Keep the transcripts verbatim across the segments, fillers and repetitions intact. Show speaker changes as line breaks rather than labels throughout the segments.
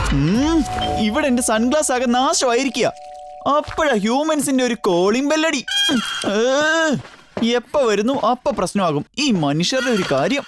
ഇവിടെ എന്റെ സൺഗ്ലാസ് ആകെ നാശമായിരിക്കുക. അപ്പോഴാ ഹ്യൂമൻസിന്റെ ഒരു കോളിംഗ് ബെല്ലടി. എപ്പ വരുന്നു അപ്പ പ്രശ്നമാകും ഈ മനുഷ്യരുടെ ഒരു കാര്യം.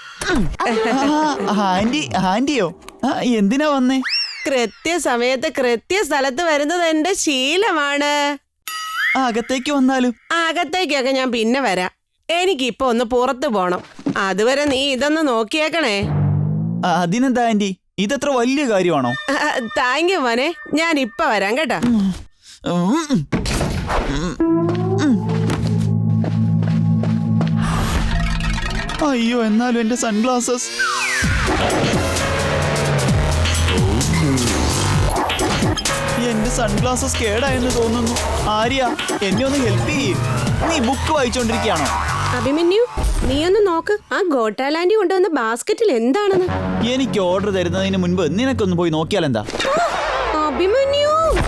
ആന്റി ആന്റിയോ എന്തിനാ വന്നേ?
കൃത്യസമയത്ത് കൃത്യ സ്ഥലത്ത് വരുന്നത് എന്റെ ശീലമാണ്.
അകത്തേക്ക് വന്നാലും?
അകത്തേക്കൊക്കെ ഞാൻ പിന്നെ വരാം. എനിക്കിപ്പൊ ഒന്ന് പുറത്തു പോണം. അതുവരെ നീ ഇതൊന്ന് നോക്കിയേക്കണേ.
അതിനെന്താ ആന്റി, ഇതത്ര വലിയ കാര്യമാണോ?
താങ്ക് യു മോനെ, ഞാൻ ഇപ്പൊ വരാം കേട്ടോ.
അയ്യോ, എന്നാലും എന്റെ സൺഗ്ലാസസ്. എന്റെ സൺഗ്ലാസസ് കേടായെന്ന് തോന്നുന്നു. ആര്യ, എന്നെ ഒന്ന് ഹെൽപ്പ് ചെയ്യ്. നീ ബുക്ക് വായിച്ചോണ്ടിരിക്കുകയാണോ?
അഭിമന്യു, നീ ഒന്ന് നോക്ക്, ആ ഗോട്ടാലാൻഡി കൊണ്ടുവന്ന ബാസ്ക്കറ്റിൽ എന്താണെന്ന്.
എനിക്ക് ഓർഡർ തരുന്നതിന് മുൻപ് നിനക്കൊന്ന് പോയി നോക്കിയാൽ എന്താ?
അഭിമന്യു,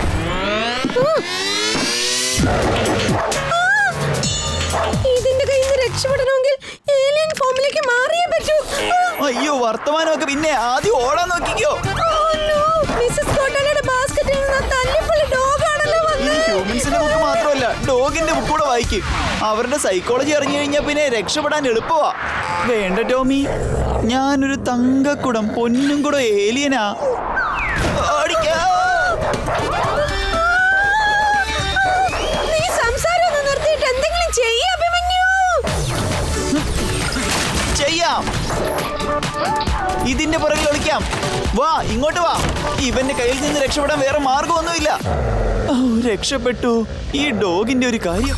ഇതിന്റെ കയ്യിൽ നിന്ന് രക്ഷപ്പെടണമെങ്കിൽ ഏലിയൻ ഫോമിലേക്ക് മാറിയേ പറ്റൂ.
അയ്യോ, വർത്തമാനമൊക്കെ പിന്നെ ആദ്യം ഓടാൻ നോക്കിക്കോ. ഹ്യൂമൻസിന്റെ ബുക്ക് മാത്രമല്ല, ഡോഗിന്റെ ബുക്ക് കൂടെ വായിക്കും. അവരുടെ സൈക്കോളജി അറിഞ്ഞു കഴിഞ്ഞാൽ പിന്നെ രക്ഷപ്പെടാൻ എളുപ്പമാ. വേണ്ട ടോമി, ഞാനൊരു തങ്കക്കുടം പൊന്നും കൂടെ ഏലിയനാ. ചെയ്യാം, ഇതിന്റെ പുറകിൽ ഒളിക്കാം. വാ, ഇങ്ങോട്ട് വാ. ഇവന്റെ കയ്യിൽ നിന്ന് രക്ഷപ്പെടാൻ വേറെ മാർഗമൊന്നുമില്ല. ഓ, രക്ഷപ്പെട്ടു. ഈ ഡോഗിന്റെ ഒരു കാര്യം.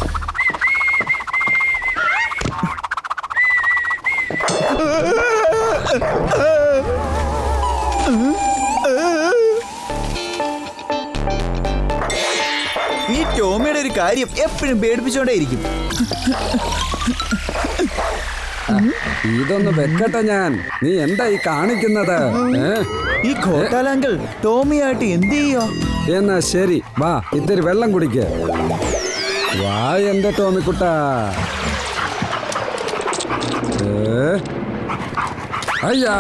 ഈ ടോമിയുടെ ഒരു കാര്യം എപ്പോഴും പേടിപ്പിച്ചോണ്ടേയിരിക്കും.
ഇതൊന്ന് വെക്കട്ടെ ഞാൻ. നീ എന്താ ഈ കാണിക്കുന്നത്?
ഈ ഖോട്ടാലാങ്കിൾ ടോമിയായിട്ട് എന്ത് ചെയ്യോ?
എന്നാ ശരി, വാ, ഇത്തിരി വെള്ളം കുടിക്ക. വാ എന്റെ ടോമിക്കുട്ട. അയ്യാ,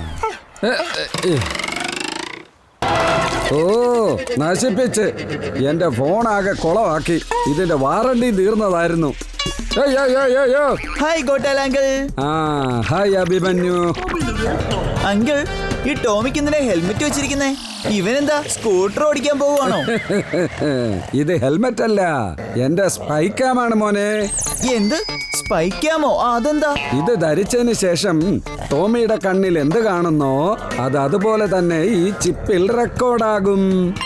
ഓ, നശിപ്പിച്ച് എന്റെ ഫോണാകെ കുളമാക്കി. ഇതിന്റെ വാറണ്ടി തീർന്നതായിരുന്നു.
ഹായ് ഗോട്ടാലാങ്കിൾ.
ആ, ഹായ് അഭിമന്യു.
അങ്കിൾ, ഈ ടോമിക്ക് എന്തിനാ ഹെൽമെറ്റ് വെച്ചിരിക്കുന്നേ? ഇവനെന്താ സ്കൂട്ടർ ഓടിക്കാൻ പോവുകയാണോ?
ഇത് ഹെൽമെറ്റ് അല്ല, എന്റെ സ്പൈക്കാമാണ് മോനെ.
എന്ത് സ്പൈക്കാമോ? അതെന്താ?
ഇത് ധരിച്ചതിന് ശേഷം ടോമിയുടെ കണ്ണിൽ എന്ത് കാണുന്നോ അത് അതുപോലെ തന്നെ ഈ ചിപ്പിൽ റെക്കോർഡാകും.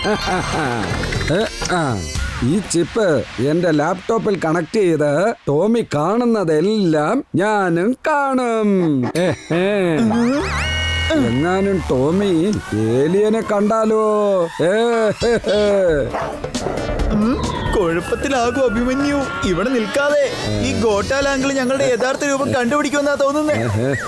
ഈ ചിപ്പ് എന്റെ ലാപ്ടോപ്പിൽ കണക്ട് ചെയ്ത് ടോമി കാണുന്നതെല്ലാം ഞാനും കാണും. എങ്ങാനും ടോമി ഏലിയനെ കണ്ടാലോ?
കുഴപ്പത്തിലാകും അഭിമന്യു. ഇവിടെ നിൽക്കാതെ ഈ ഗോട്ടാലാങ്കിൾ ഞങ്ങളുടെ യഥാർത്ഥ രൂപം കണ്ടുപിടിക്കുമെന്നാ തോന്നുന്നേ.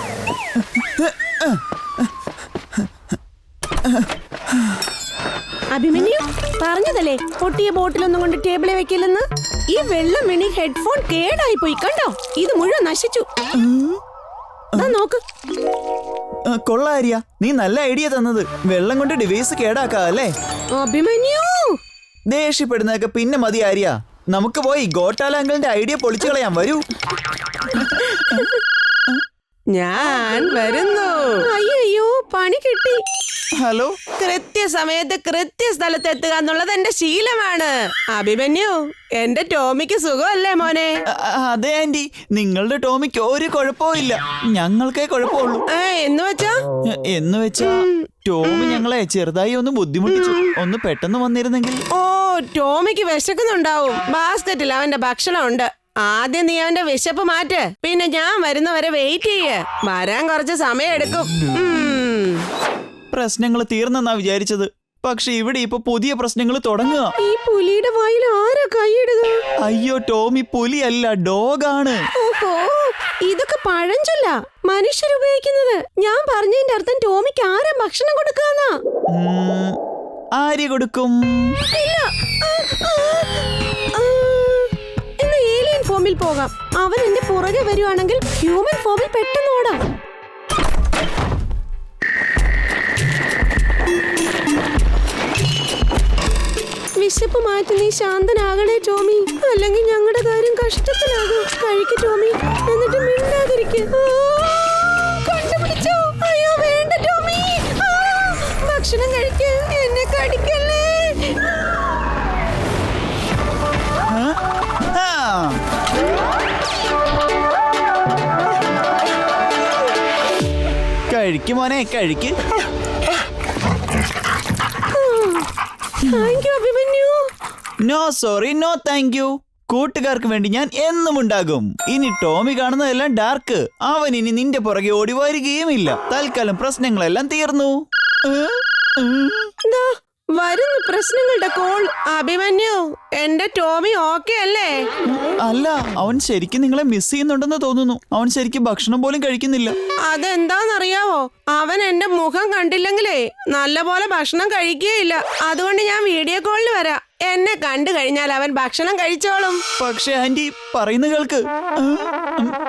അഭിമന്യു പറഞ്ഞതല്ലേ പൊട്ടിയ ബോട്ടിലൊന്നും കൊണ്ട് ടേബിളിൽ വെക്കില്ലെന്ന്. ഈ വെള്ളം വീണി ഹെഡ്ഫോൺ കേടായി പോയി, കണ്ടോ? ഇത് മുഴുവൻ നശിച്ചു. നോക്ക്.
കൊള്ളാരിയ, നീ നല്ല ഐഡിയ തന്നത്. വെള്ളം കൊണ്ട് ഡിവൈസ് കേടാക്കാല്ലേ?
അഭിമന്യു,
ദേഷ്യപ്പെടുന്നതൊക്കെ പിന്നെ മതി ആര്യ. നമുക്ക് പോയി ഗോട്ടാലാങ്കിളിന്റെ ഐഡിയ പൊളിച്ചു കളയാം. വരൂ.
ഞാൻ വരുന്നു. അയ്യോ, പണി കിട്ടി.
ഹലോ.
കൃത്യസമയത്ത് കൃത്യസ്ഥലത്ത് എത്തുക എന്നുള്ളത് എന്റെ ശീലമാണ്. അഭിമന്യു, എന്റെ ടോമിക്ക് സുഖമല്ലേ മോനെ?
അതെ ആന്റി, നിങ്ങളുടെ ടോമിക്ക് ഒരു കുഴപ്പവും ഇല്ല. ഞങ്ങൾക്കേ കുഴപ്പമുള്ളൂ.
എന്ന് വെച്ചാ
എന്ന് വെച്ചാ ടോമി ഞങ്ങളെ ചെറുതായി ഒന്ന് ബുദ്ധിമുട്ടിച്ചു. ഒന്ന് പെട്ടെന്ന് വന്നിരുന്നെങ്കിൽ.
ഓ, ടോമിക്ക് വിശക്കുന്നുണ്ടാവും. ബാസ്കറ്റിൽ അവന്റെ ഭക്ഷണം ഉണ്ട്. ആദ്യം നീ അവന്റെ വിശപ്പ് മാറ്റ്, പിന്നെ ഞാൻ വരുന്നവരെ വെയിറ്റ് ചെയ്യ്. വരാൻ കുറച്ച് സമയം എടുക്കും.
പ്രശ്നങ്ങൾ തീർന്നെന്നാ വിചാരിച്ചത്. പക്ഷെ ഇവിടെ ഇപ്പൊ പുതിയ പ്രശ്നങ്ങൾ തുടങ്ങുക.
ഈ പുലിയുടെ വായിൽ ആരാ കൈയിടുക?
അയ്യോ, ടോമി പുലിയല്ല, ഡോഗാണ്.
ഓഹോ, ഇതൊക്കെ പഴഞ്ചൊല്ല മനുഷ്യർ ഉപയോഗിക്കുന്നത്. ഞാൻ പറഞ്ഞതിന്റെ അർത്ഥം ടോമിക്ക് ആരാ ഭക്ഷണം കൊടുക്കാന്നാ.
ആര് കൊടുക്കും?
ഇന്ന് ഏലിയൻ ഫോമിൽ പോകാം. അവൻ എന്റെ പുറകെ വരുവാണെങ്കിൽ ഹ്യൂമൻ ഫോമിൽ പെട്ടെന്ന് ഓടാം. വിശപ്പ് മാറ്റി നീ ശാന്തനാകണേ ടോമി, അല്ലെങ്കിൽ ഞങ്ങളുടെ കാര്യം കഷ്ടത്തിലാകും. കഴിക്ക് ടോമി, എന്നിട്ട് മിണ്ടാതിരിക്കുക. കണ്ടുപിടിച്ചോ? അയ്യോ വേണ്ട ടോമി, ആ, ഭക്ഷണം കഴിക്ക്, എന്നെ കടിക്കല്ലേ.
കഴിക്ക് മോനെ, കഴിക്ക്.
Thank you Abhimanyu.
No sorry, no thank you. കൂട്ടുകാർക്ക് വേണ്ടി ഞാൻ എന്നും ഉണ്ടാകും. ഇനി ടോമി കാണുന്നതെല്ലാം ഡാർക്ക്. അവൻ ഇനി നിന്റെ പുറകെ ഓടി വരികയുമില്ല. തൽക്കാലം പ്രശ്നങ്ങളെല്ലാം തീർന്നു.
ദാ വരുന്നു പ്രശ്നങ്ങളുടെ കോൾ. അഭിമന്യു, എന്റെ ടോമി ഓക്കെ അല്ലേ?
അല്ല, അവൻ ശരിക്കും നിങ്ങളെ മിസ് ചെയ്യുന്നുണ്ടെന്ന് തോന്നുന്നു. അവൻ ശരിക്കും ഭക്ഷണം പോലും കഴിക്കുന്നില്ല.
അതെന്താന്നറിയാവോ? അവൻ എന്റെ മുഖം കണ്ടില്ലെങ്കിലേ നല്ലപോലെ ഭക്ഷണം കഴിക്കുകയില്ല. അതുകൊണ്ട് ഞാൻ വീഡിയോ കോളിൽ വരാം. എന്നെ കണ്ടു കഴിഞ്ഞാൽ അവൻ ഭക്ഷണം കഴിച്ചോളും.
പക്ഷെ ആന്റി പറയുന്ന കേൾക്ക്.